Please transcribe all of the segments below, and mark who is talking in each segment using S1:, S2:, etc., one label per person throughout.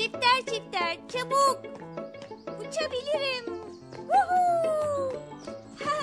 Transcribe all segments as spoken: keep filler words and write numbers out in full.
S1: Çifter çifter çabuk. Uçabilirim. Woohoo! Ha.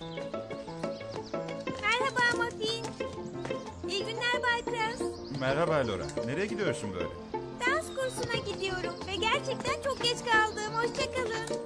S1: Merhaba Muffin. İyi günler Bay Krause.
S2: Merhaba Laura. Nereye gidiyorsun böyle?
S1: Dans kursuna gidiyorum ve gerçekten çok geç kaldım. Hoşçakalın.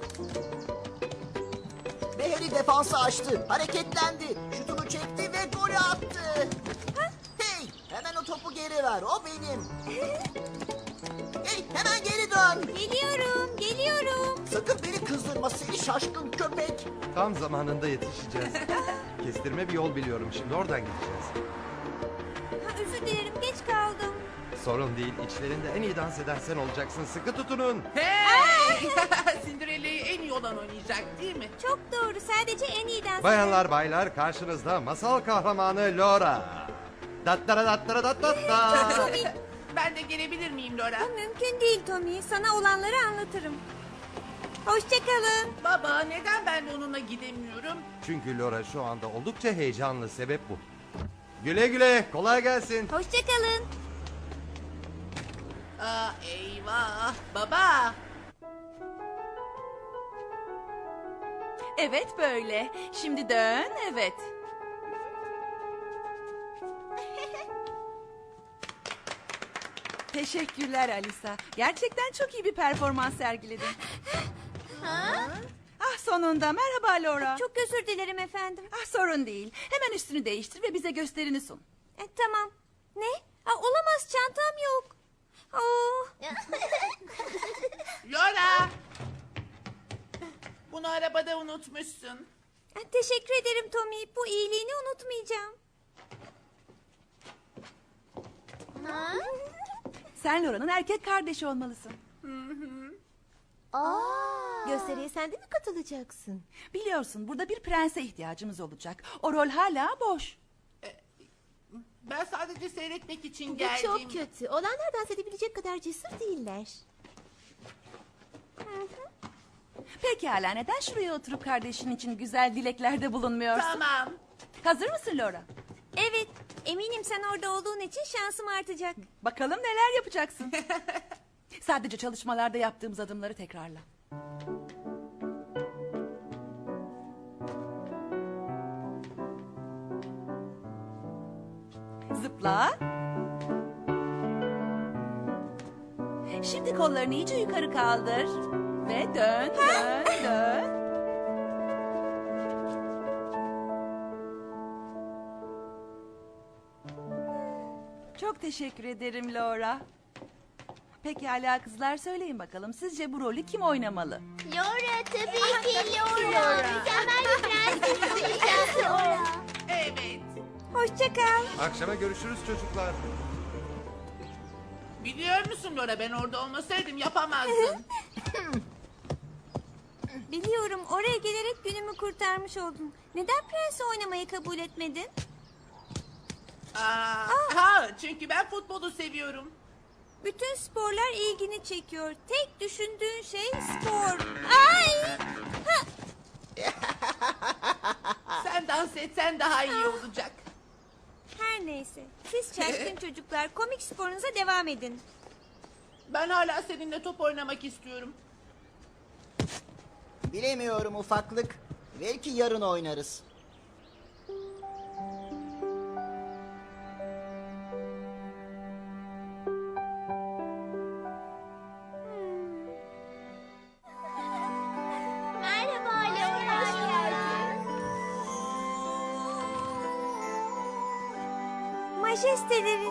S3: Ve Harry defansı açtı, hareketlendi, şutunu çekti ve golü attı. Hey, hemen o topu geri ver, o benim. Hey, hemen geri dön.
S1: Geliyorum, geliyorum.
S3: Sakın beni kızdırma seni şaşkın köpek.
S4: Tam zamanında yetişeceğiz. Kestirme bir yol biliyorum, şimdi oradan gideceğiz.
S1: Ha, özür dilerim, geç kaldım.
S4: Sorun değil, içlerinde en iyi dans eden sen olacaksın. Sıkı tutunun.
S5: Hey! Cinderella'yı en iyi olan oynayacak değil mi?
S1: Çok doğru, sadece en iyi dans
S4: Bayanlar baylar, karşınızda masal kahramanı Laura. Dattara dattara dat dat da.
S5: Ben de gelebilir miyim Laura?
S1: Bu mümkün değil Tommy. Sana olanları anlatırım. Hoşçakalın.
S5: Baba neden ben de onunla gidemiyorum?
S4: Çünkü Laura şu anda oldukça heyecanlı, sebep bu. Güle güle, kolay gelsin.
S1: Hoşçakalın.
S5: Aa, eyvah. Baba.
S6: Evet böyle. Şimdi dön, evet. Teşekkürler Alisa. Gerçekten çok iyi bir performans sergiledin. Ah sonunda merhaba Laura.
S1: Çok özür dilerim efendim.
S6: Ah sorun değil. Hemen üstünü değiştir ve bize gösterini sun.
S1: E, tamam. Ne? Aa, olamaz, çantam yok. Oh.
S5: Laura. Bunu arabada unutmuşsun.
S1: E, teşekkür ederim Tommy. Bu iyiliğini unutmayacağım.
S6: Sen Laura'nın erkek kardeşi olmalısın.
S1: Gösteriye sen de mi katılacaksın?
S6: Biliyorsun burada bir prense ihtiyacımız olacak. O rol hala boş.
S5: Ben sadece seyretmek için
S7: Bu
S5: geldim.
S7: çok kötü. Olanlar dans edebilecek kadar cesur değiller.
S6: Pekala neden şuraya oturup kardeşin için güzel dileklerde bulunmuyorsun?
S5: Tamam.
S6: Hazır mısın Laura?
S1: Evet. Eminim sen orada olduğun için şansım artacak.
S6: Bakalım neler yapacaksın. Sadece çalışmalarda yaptığımız adımları tekrarla. Zıpla. Şimdi kollarını iyice yukarı kaldır. Ve dön, dön, dön. Çok teşekkür ederim Laura. Pekala kızlar söyleyin bakalım sizce bu rolü kim oynamalı?
S7: Laura tabii ki Laura. Mükemmel bir prenses olacak Laura.
S5: Evet.
S1: Hoşça kal.
S4: Akşama görüşürüz çocuklar.
S5: Biliyor musun Laura ben orada olmasaydım yapamazdım.
S1: Biliyorum, oraya gelerek günümü kurtarmış oldun. Neden prensi oynamayı kabul etmedin?
S5: Aa, ha, çünkü ben futbolu seviyorum.
S1: Bütün sporlar ilgini çekiyor. Tek düşündüğün şey spor. Ay!
S5: Sen dans etsen daha iyi olacak.
S1: Her neyse. Siz şaşkın çocuklar komik sporunuza devam edin.
S5: Ben hala seninle top oynamak istiyorum.
S3: Bilemiyorum ufaklık, belki yarın oynarız.
S7: Merhaba Laura. Hoş geldin.
S1: Majesteleri.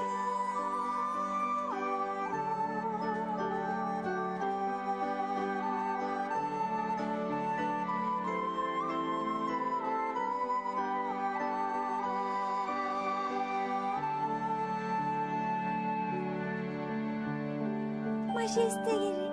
S1: Majesteleri.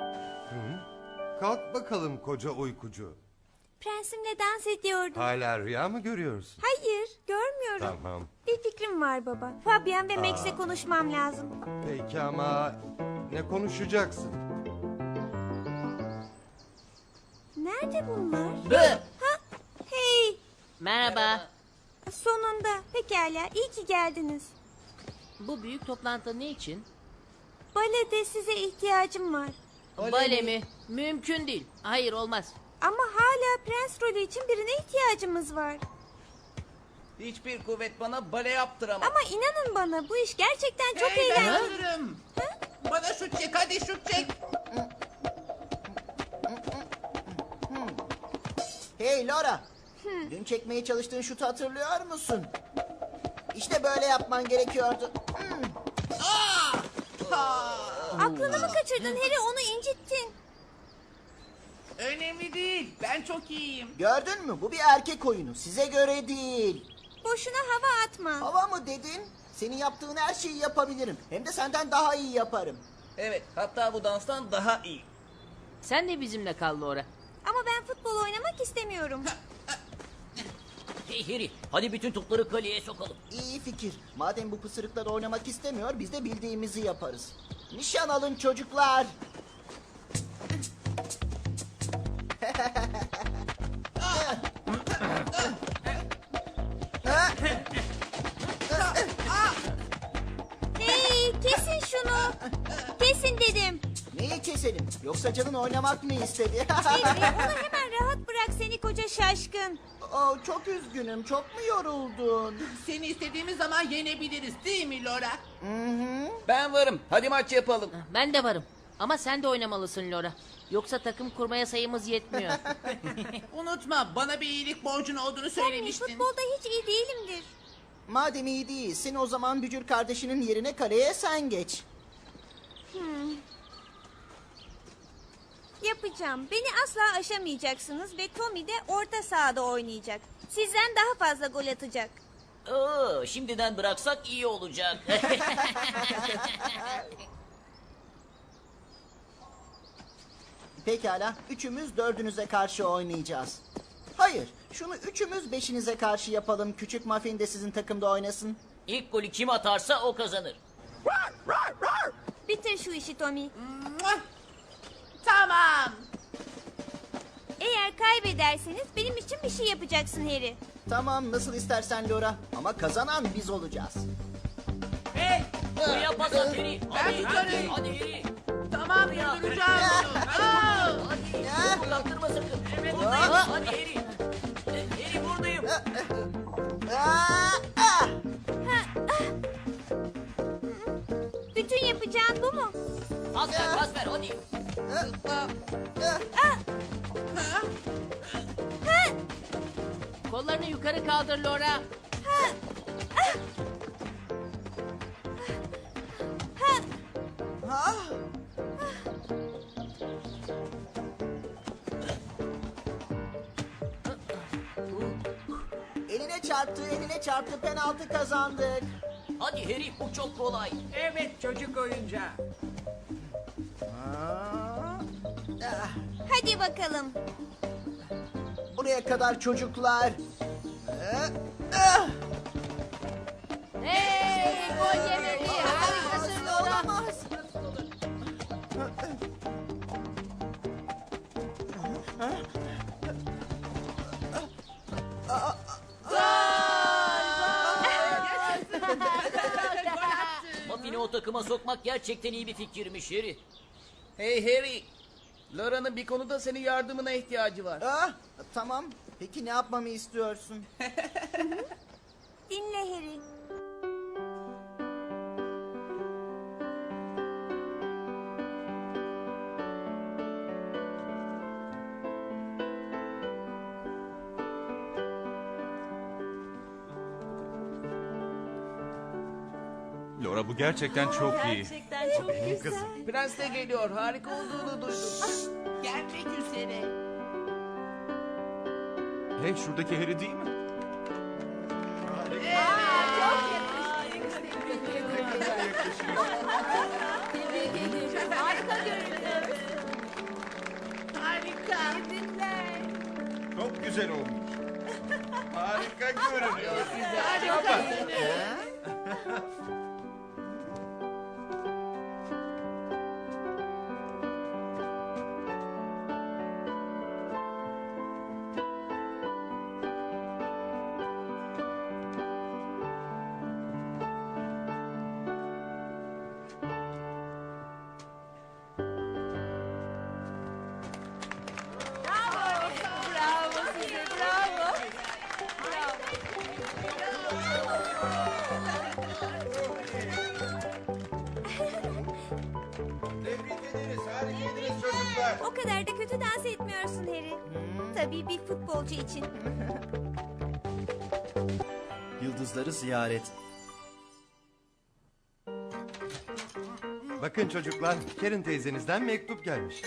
S4: Kalk bakalım koca uykucu.
S1: Prensimle dans ediyordum.
S4: Hala rüya mı görüyorsun?
S1: Hayır, görmüyorum.
S4: Tamam.
S1: Bir fikrim var baba. Fabian ve Max'le konuşmam lazım.
S4: Peki ama ne konuşacaksın?
S1: Nerede bunlar?
S5: Bı.
S1: Ha, hey,
S8: Merhaba.
S1: sonunda. Pekala, iyi ki geldiniz.
S8: Bu büyük toplantı ne için?
S1: balede size ihtiyacım var.
S8: Bale mi? Mümkün değil. Hayır olmaz.
S1: Ama hala prens rolü için birine ihtiyacımız var.
S5: Hiçbir kuvvet bana bale yaptıramaz.
S1: Ama inanın bana bu iş gerçekten çok
S5: Hey, ben
S1: eğlenceli.
S5: hazırım. Bana şut çek, hadi şut çek.
S3: Hey Laura. Dün çekmeye çalıştığın şutu hatırlıyor musun? İşte böyle yapman gerekiyordu. Hmm.
S1: Aklını mı kaçırdın Harry, onu incittin.
S5: Önemli değil, ben çok iyiyim.
S3: Gördün mü? Bu bir erkek oyunu. Size göre değil.
S1: Boşuna hava atma.
S3: Hava mı dedin? Senin yaptığın her şeyi yapabilirim. Hem de senden daha iyi yaparım.
S5: Evet, hatta bu danstan daha iyi.
S8: Sen de bizimle kal Laura.
S1: Ama ben futbol oynamak istemiyorum.
S9: Hey Harry, hadi bütün topları kaleye sokalım.
S3: İyi fikir. Madem bu pısırıklar oynamak istemiyor, biz de bildiğimizi yaparız. Nişan alın çocuklar.
S1: Hey, kesin şunu. Kesin dedim.
S3: Neyi keselim? Yoksa canın oynamak mı istedi?
S1: Harry, onu hemen rahat bırak seni koca şaşkın.
S3: Oh, çok üzgünüm. Çok mu yoruldun?
S5: Seni istediğimiz zaman yenebiliriz değil mi Laura?
S3: Hı hı.
S5: Ben varım, hadi maç yapalım.
S8: Ben de varım. Ama sen de oynamalısın Laura. Yoksa takım kurmaya sayımız yetmiyor.
S5: Unutma, bana bir iyilik borcun olduğunu
S1: Ben
S5: söylemiştin.
S1: futbolda hiç iyi değilimdir.
S3: Madem iyi değilsin, o zaman bücür kardeşinin yerine kaleye sen geç.
S1: Yapacağım. Beni asla aşamayacaksınız ve Tommy de orta sahada oynayacak. Sizden daha fazla gol atacak.
S9: Oo, şimdiden bıraksak iyi olacak.
S3: Pekala, üçümüz dördünüze karşı oynayacağız. Hayır, şunu üçümüz beşinize karşı yapalım. Küçük Muffin de sizin takımda oynasın.
S9: İlk golü kim atarsa o kazanır.
S1: Bitir şu işi Tommy.
S5: Mua! Tamam.
S1: Eğer kaybederseniz benim için bir şey yapacaksın Harry.
S3: Tamam, nasıl istersen Laura. Ama kazanan biz olacağız.
S5: Hey,
S9: Buraya pas at Harry. Hadi,
S5: tutarım.
S9: hadi, hadi Harry.
S5: tamam durduracağım bunu. Aa!
S9: Hadi,
S3: Ya.
S9: topu kaptırma sakın.
S5: Evet,
S9: Buradayım.
S3: Hop.
S9: Hadi Harry. E, Harry buradayım.
S3: Aa, ah!
S1: Bütün yapacağın bu mu?
S9: Pas ver, pas ver hadi.
S8: Kollarını yukarı kaldır Laura.
S3: Eline çarptı, eline çarptı. Penaltı kazandık.
S9: Hadi Harry, bu çok kolay.
S5: Evet, çocuk oyuncağı.
S3: Aa, ah,
S1: Hadi bakalım.
S3: buraya kadar çocuklar. Ah, ah!
S8: Hey, gol yemedi. Harikasın Laura.
S3: Olamaz.
S9: Muffin'i o takıma sokmak gerçekten iyi bir fikirmiş Harry.
S5: Hey Harry, Laura'nın bir konuda senin yardımına ihtiyacı var.
S3: Ah, tamam. Peki ne yapmamı istiyorsun?
S1: Dinle Harry.
S2: Laura bu gerçekten çok iyi.
S6: Gerçekten çok
S4: Benim kızım.
S5: Prens de geliyor, harika olduğunu duydum. Gelmek üzere.
S2: Hey, şuradaki Harry değil mi?
S6: harika görünüyor.
S5: Harika.
S2: Çok güzel olmuş. Harika görünüyor.
S1: O kadar da kötü dans etmiyorsun Harry. Tabii bir futbolcu için.
S10: Yıldızları ziyaret.
S4: Bakın çocuklar, Karen teyzenizden mektup gelmiş.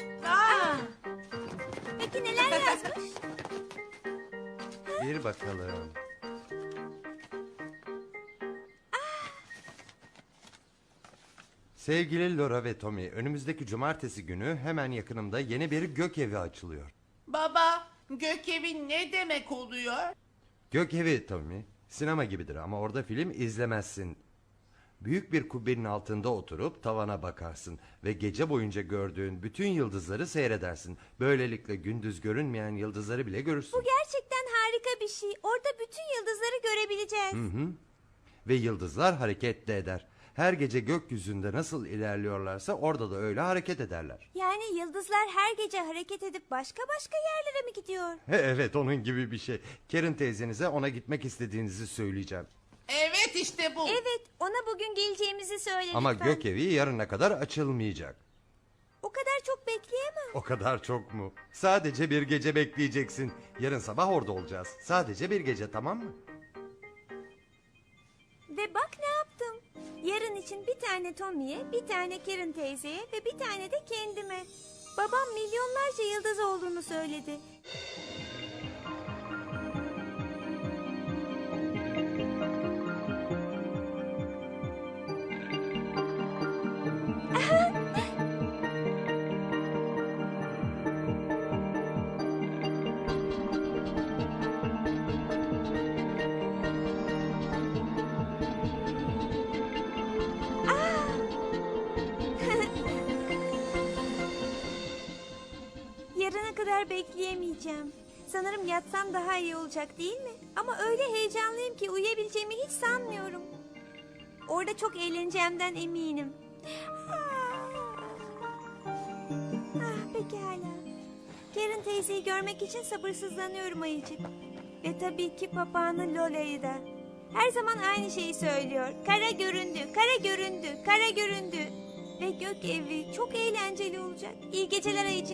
S1: Peki neler yazmış?
S4: Bir bakalım. Sevgili Laura ve Tommy, önümüzdeki cumartesi günü hemen yakınımda yeni bir gök evi açılıyor.
S11: Baba, gökevi ne demek oluyor?
S4: Gök evi Tommy, sinema gibidir ama orada film izlemezsin. Büyük bir kubbenin altında oturup tavana bakarsın ve gece boyunca gördüğün bütün yıldızları seyredersin. Böylelikle gündüz görünmeyen yıldızları bile görürsün.
S1: Bu gerçekten harika bir şey. Orada bütün yıldızları görebileceğiz.
S4: Hı hı. Ve yıldızlar hareket de eder. Her gece gökyüzünde nasıl ilerliyorlarsa orada da öyle hareket ederler.
S1: Yani yıldızlar her gece hareket edip başka başka yerlere mi gidiyor?
S4: Evet, onun gibi bir şey. Karen teyzenize ona gitmek istediğinizi söyleyeceğim.
S11: Evet işte bu.
S1: Evet, ona bugün geleceğimizi söyle
S4: Ama
S1: lütfen.
S4: gök evi yarına kadar açılmayacak.
S1: O kadar çok bekleyemem.
S4: O kadar çok mu? Sadece bir gece bekleyeceksin. Yarın sabah orada olacağız. Sadece bir gece, tamam mı?
S1: Ve bak ne yaptım. Yarın için bir tane Tommy'ye, bir tane Karen teyzeye ve bir tane de kendime. Babam milyonlarca yıldız olduğunu söyledi. Yarına kadar bekleyemeyeceğim. Sanırım yatsam daha iyi olacak değil mi? Ama öyle heyecanlıyım ki uyuyabileceğimi hiç sanmıyorum. Orada çok eğleneceğimden eminim. Ah, pekala. Karen teyzeyi görmek için sabırsızlanıyorum ayıcık. Ve tabii ki papağanı Lola'yı da. Her zaman aynı şeyi söylüyor. Kara göründü, kara göründü, kara göründü. Ve gök evi çok eğlenceli olacak. İyi geceler ayıcık.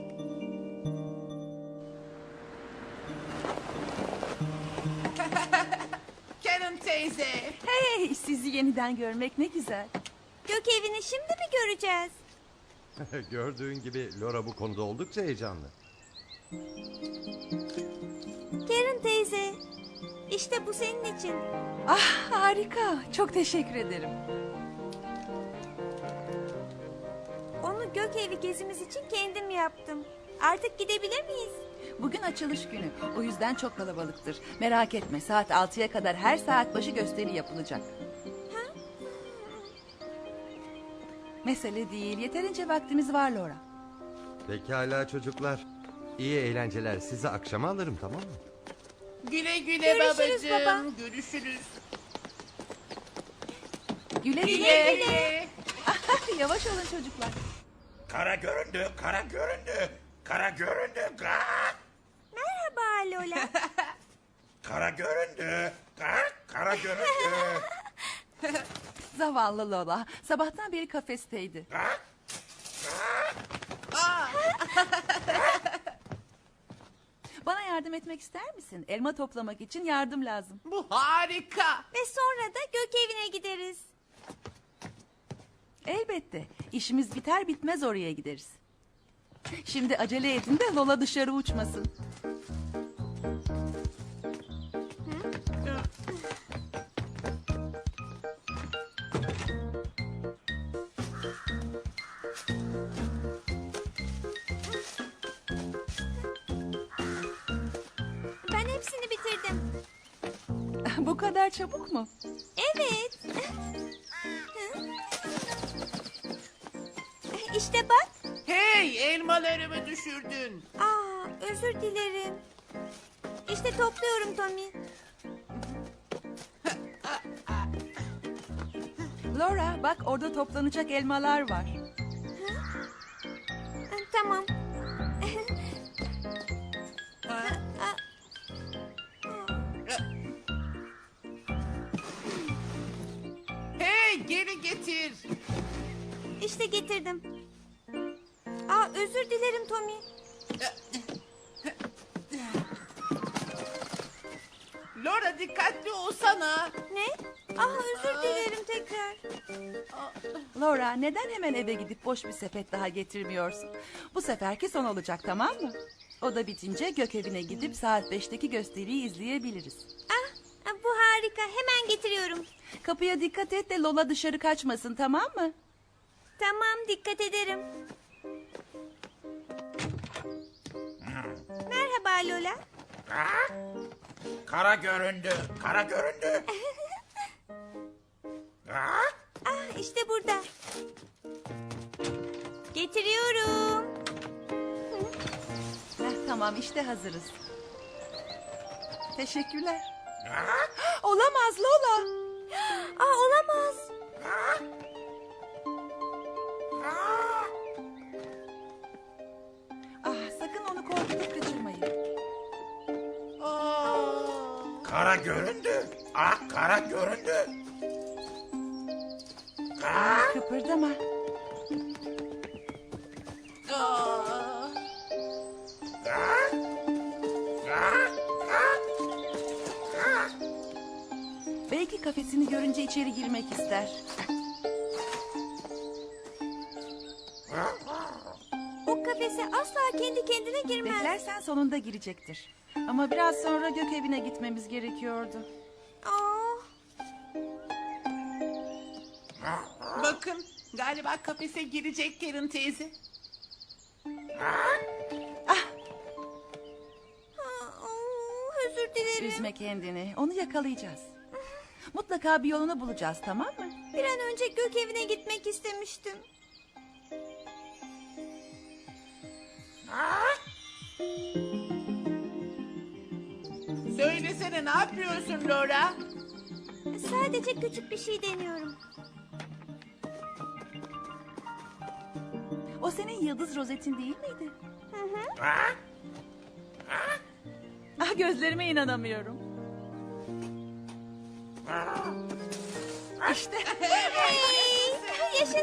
S11: Karen teyze.
S6: Hey, sizi yeniden görmek ne güzel.
S1: Gök evini şimdi mi göreceğiz?
S4: Gördüğün gibi Laura bu konuda oldukça heyecanlı.
S1: Karen teyze, işte bu senin için.
S6: Ah, harika. Çok teşekkür ederim.
S1: Onu gök evi gezimiz için kendim yaptım. Artık gidebilir miyiz?
S6: Bugün açılış günü. O yüzden çok kalabalıktır. Merak etme, saat altıya kadar her saat başı gösteri yapılacak. Mesele değil. Yeterince vaktimiz var Laura.
S4: Pekala çocuklar. İyi eğlenceler. Sizi akşama alırım, tamam mı?
S11: Güle güle
S1: Görüşürüz
S11: babacığım.
S1: baba.
S11: Görüşürüz.
S6: Güle güle.
S11: Güle güle.
S6: Yavaş olun çocuklar.
S2: Kara göründü, kara göründü, kara göründü. Gak!
S1: Merhaba Lola.
S2: Kara göründü, gak! Kara göründü.
S6: Zavallı Lola. Sabahtan beri kafesteydi.
S2: Gak!
S6: Bana yardım etmek ister misin? Elma toplamak için yardım lazım.
S11: Bu harika.
S1: Ve sonra da gök evine gideriz.
S6: Elbette. İşimiz biter bitmez oraya gideriz. Şimdi acele edin de Lola dışarı uçmasın.
S1: Ben hepsini bitirdim.
S6: Bu kadar çabuk mu?
S1: Evet. İşte bak.
S11: Hey, elmalarımı düşürdün.
S1: Aa, özür dilerim. İşte topluyorum Tommy.
S6: Laura, bak orada toplanacak elmalar var.
S1: Tamam.
S11: Hey, geri getir.
S1: İşte getirdim. Aa, özür dilerim Tommy.
S11: Laura dikkatli olsana.
S1: Ne? Aa, özür dilerim tekrar.
S6: Laura, neden hemen eve gidip boş bir sepet daha getirmiyorsun? Bu seferki son olacak, tamam mı? O da bitince Gökevine gidip saat beşteki gösteriyi izleyebiliriz.
S1: Ah, ah, bu harika. Hemen getiriyorum.
S6: Kapıya dikkat et de Lola dışarı kaçmasın, tamam mı?
S1: Tamam, dikkat ederim. Merhaba Lola.
S2: Ah, kara göründü, kara göründü. Ah,
S1: Ah, işte burada. Getiriyorum.
S6: Heh, tamam, işte hazırız. Teşekkürler.
S2: ah,
S6: Olamaz Lola.
S1: Aa, olamaz.
S2: ah, ah.
S6: Ah, sakın onu korkutup kaçırmayın.
S11: Aa,
S2: Kara göründü. Ah, kara göründü. Ah,
S6: Kıpırdama.
S11: aa.
S2: ah, ah, ah, ah.
S6: Belki kafesini görünce içeri girmek ister.
S1: O kafese asla kendi kendine girmez.
S6: Beklersen sonunda girecektir. Ama biraz sonra Gökevine gitmemiz gerekiyordu.
S1: Aa,
S11: Bakın galiba kafese girecek Karen teyze.
S1: aa, özür dilerim.
S6: Üzme kendini. Onu yakalayacağız. Mutlaka bir yolunu bulacağız, tamam mı?
S1: Bir an önce gök evine gitmek istemiştim.
S11: Söylesene ne yapıyorsun Laura?
S1: Sadece küçük bir şey deniyorum.
S6: O senin yıldız rozetin değil miydi?
S1: Hı hı.
S2: Ah,
S6: Ah, gözlerime inanamıyorum. İşte.
S1: Hey, yaşasın.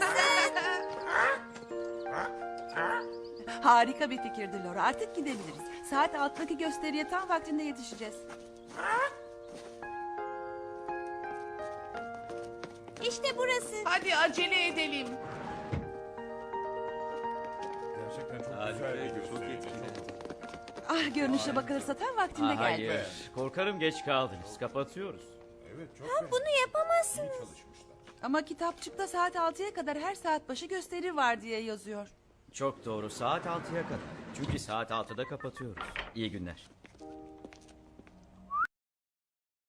S6: Harika bir fikirdi Laura. Artık gidebiliriz. Saat alttaki gösteriye tam vaktinde yetişeceğiz.
S1: İşte burası.
S11: Hadi acele edelim.
S6: Ah, görünüşe bakılırsa tam vaktinde
S9: Aa,
S6: geldi.
S9: hayır. Korkarım geç kaldınız. Kapatıyoruz.
S1: Ha, bunu yapamazsınız.
S6: Ama kitapçıkta saat altıya kadar her saat başı gösteri var diye yazıyor.
S9: Çok doğru. Saat altıya kadar. Çünkü saat altıda kapatıyoruz. İyi günler.